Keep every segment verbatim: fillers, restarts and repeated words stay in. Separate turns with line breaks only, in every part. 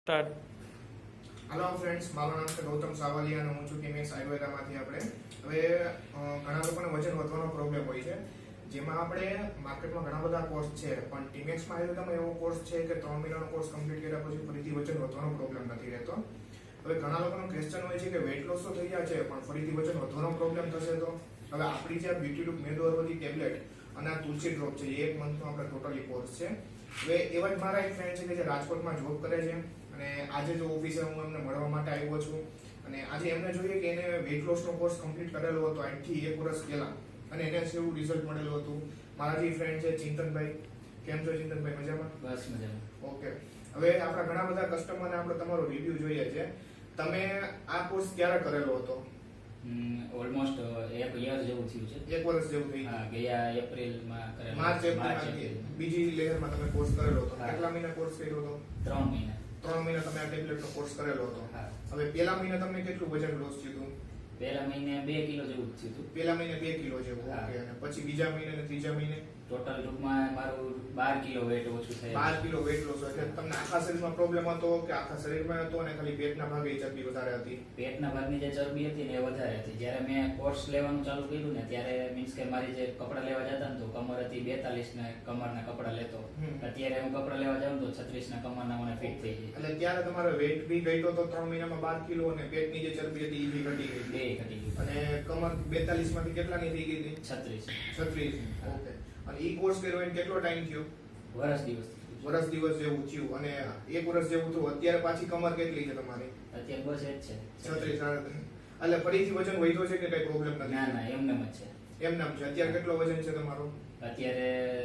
Start.
Hello friends, મારું નામ છે ગૌતમ સાવલિયા અને હું છું ટીમેક્સ આયુર્વેદામાંથી. આપણે હવે અ, ઘણા લોકોને વજન વધવાનો પ્રોબ્લેમ હોય છે, જેમાં આપણે માર્કેટમાં ઘણા બધા કોર્સ છે, પણ ટીમેક્સમાં આયુર્વેદામાં એવો કોર્સ છે કે ત્રણ મહિનાનો કોર્સ કમ્પ્લીટ કર્યા પછી ફરીથી વજન વધવાનો પ્રોબ્લેમ નથી રહેતો. હવે ઘણા લોકોનો ક્વેશ્ચન હોય છે કે વેટ લોસ તો થઈ ગયા છે પણ ફરીથી વજન વધવાનો પ્રોબ્લેમ થશે તો? હવે આપણી જે બ્યુટી લૂક મેદો અરવદી ટેબ્લેટ અને આ તુલસી ડ્રોપ છે, એ એક મંથનો આપણે ટોટલી કોર્સ છે. હવે એવા જ મારા એક ફ્રેન્ડ છે કે જે રાજકોટમાં જોબ કરે છે અને આજે જો ઓફિસે હું એમને મળવા માટે આવ્યો છું અને આજે એમને જોઈએ કે એને વેટ લોસનો કોર્સ કમ્પ્લીટ કરેલો હતો આજથી એક વર્ષ પહેલા અને એને એવું રિઝલ્ટ મળેલું હતું. મારા જે ફ્રેન્ડ છે ચિંતનભાઈ, કેમ છો ચિંતનભાઈ? મજામાં?
બસ મજામાં.
ઓકે. હવે આપણા ઘણા બધા કસ્ટમરને આપણે તમારો રિવ્યુ જોઈએ છે. તમે આ કોર્સ ક્યારે કરેલો હતો?
ઓલમોસ્ટ એક યર જેવું થયું છે.
એક વર્ષ જેવું થઈ
હા, ગયા એપ્રિલમાં કરેલો.
માર્ચ એપ્રિલ બીજી લેયરમાં તમે કોર્સ કરેલો હતો.
હા.
કેટલા મહિના કોર્સ કર્યો હતો?
ત્રણ મહિના.
ત્રણ મહિના તમે આ ટેબ્લેટનો કોર્સ કરેલો હતો.
હા.
હવે પહેલા મહિને તમને કેટલું વજન લોસ થયું હતું?
પહેલા મહિને બે કિલો જેવું જ થયું હતું.
પહેલા મહિને બે કિલો જેવું.
હા.
ઓકે. અને પછી બીજા મહિને અને ત્રીજા મહિને
ટોટલ ટૂંકમાં મારું બાર કિલો વેટ ઓછું થયું.
બાર કિલો વેટ લોસ. એટલે તમને આખા શરીરમાં પ્રોબ્લેમ હતો કે આખા શરીરમાં હતો અને ખાલી પેટના ભાગે ચરબી વધારે હતી?
પેટના ભાગની જે ચરબી હતી ને એ વધારે હતી. જ્યારે મેં કોર્સ લેવાનું ચાલુ કર્યું ને ત્યારે મીન્સ કે મારી જે કપડાં લેવા જતા ને તો કમર હતી બેતાલીસ ને કમરના કપડાં લેતો.
હમ.
અત્યારે હું કપડાં લેવા જાઉં તો છત્રીસ ના કમરના મને ફિટ થઈ જાય.
એટલે ત્યારે તમારો વેટ બી ઘટ્યો તો ત્રણ મહિનામાં બાર કિલો અને પેટની જે ચરબી હતી એ બી ઘટી ગઈ.
બે ઘટી ગયું.
અને કમર બેતાલીસ માંથી કેટલાની થઈ ગઈ હતી?
છત્રીસ.
છત્રીસ. ઓકે. અને ઈ કોર્સ કર્યો એને કેટલો ટાઈમ થયો?
વર્ષ દિવસ.
વર્ષ દિવસ જેવું થયું. અને એક વર્ષ જેવું થયું. અત્યારે પાછી કમર કેટલી છે તમારી?
અત્યારે બસ એ જ છે.
છત્રીસ. એટલે ફરીથી વજન વધ્યો છે કે કઈ પ્રોબ્લેમ નથી?
ના ના એમને જ છે.
એમ નામ છે. અત્યારે કેટલો વજન છે તમારો?
અત્યારે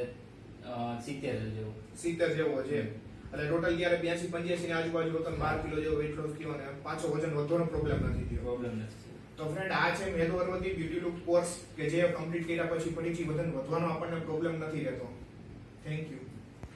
સિત્તેર જેવું.
સિત્તેર જેવો છે. એટલે ટોટલ ત્યારે બ્યાસી પંચ્યાસી ની આજુબાજુ હતો. બાર કિલો જેવો વેટ લોસ થયો અને પાછો વજન વધવાનો પ્રોબ્લેમ નથી થયો.
પ્રોબ્લેમ નથી.
તો ફ્રેન્ડ, આ છે મેદો અરવદી બ્યુટી લુક કોર્સ કે જે કમ્પ્લીટ કર્યા પછી ફરીથી વજન વધવાનો આપણને પ્રોબ્લેમ નથી રહેતો. Thank you.